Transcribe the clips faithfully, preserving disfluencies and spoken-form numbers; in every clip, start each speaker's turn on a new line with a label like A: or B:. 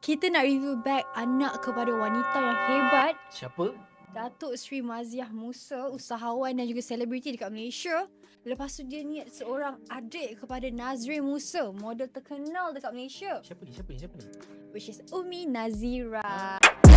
A: kita nak review bag anak kepada wanita yang hebat,
B: Siapa?
A: Datuk Seri Maziah Musa, usahawan dan juga selebriti dekat Malaysia. Lepas tu dia ni seorang adik kepada Nazrin Musa, model terkenal dekat Malaysia,
B: Siapa ni? Siapa ni? Siapa ni?
A: which is Umi Nazira.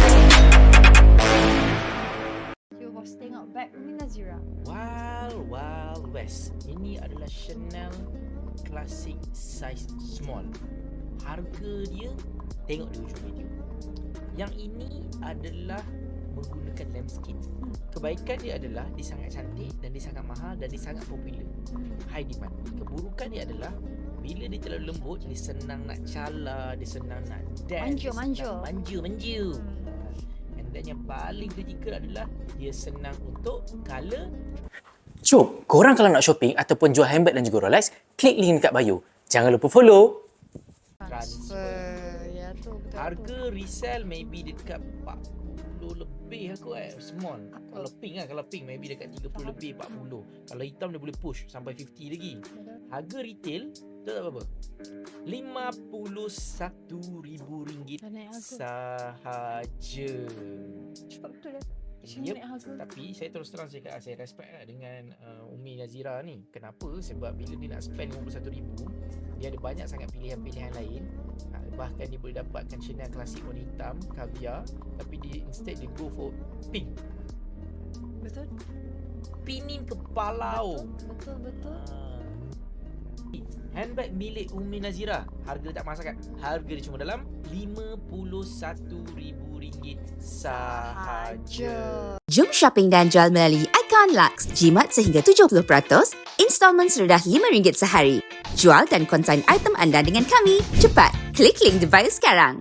A: Cuba bos tengok bag Umi Nazira.
B: Wild Wild West. Ini adalah Chanel Classic Size Small. Harga dia, tengok di ujung video. Yang ini adalah menggunakan lambskin. Kebaikan dia adalah dia sangat cantik dan dia sangat mahal dan dia sangat popular. High demand. Keburukan dia adalah bila dia terlalu lembut, dia senang nak cala, dia senang nak dance,
A: Manja, manja.
B: manja, manja. And then yang paling kritikal adalah dia senang untuk color.
C: Jom, korang kalau nak shopping ataupun jual handbag dan juga Rolex, klik link dekat bio. Jangan lupa follow.
B: Transfer.
A: Ya tu betul.
B: Harga resell maybe dekat empat puluh lebih aku eh. Small. Kalau pink lah, kalau pink maybe dekat tiga puluh lebih, empat puluh. Kalau hitam dia boleh push sampai lima puluh lagi. Harga retail, tahu tak berapa? lima puluh satu ribu ringgit
A: Dah naik harga.
B: sahaja.
A: Cepat betul dah. Macam
B: Yep.
A: naik harga.
B: Tapi saya terus terang cakap, saya respect lah dengan uh, Umi Nazira ni. Kenapa? Sebab bila dia nak spend lima puluh satu ribu, dia ada banyak sangat pilihan-pilihan lain. uh, Bahkan dia boleh dapatkan Chanel klasik warna hitam, caviar. Tapi dia instead dia go for pink.
A: Betul.
B: Pinin kepalau.
A: Betul, betul, betul.
B: uh, Handbag milik Umi Nazira, harga tak mahal sangat. Harga dia cuma dalam lima puluh satu ribu ringgit sahaja.
D: Jom shopping dan jual melalui Icon Lux. Jimat sehingga tujuh puluh peratus, installment serendah lima ringgit sehari. Jual dan konsign item anda dengan kami. Cepat, klik link di bio sekarang.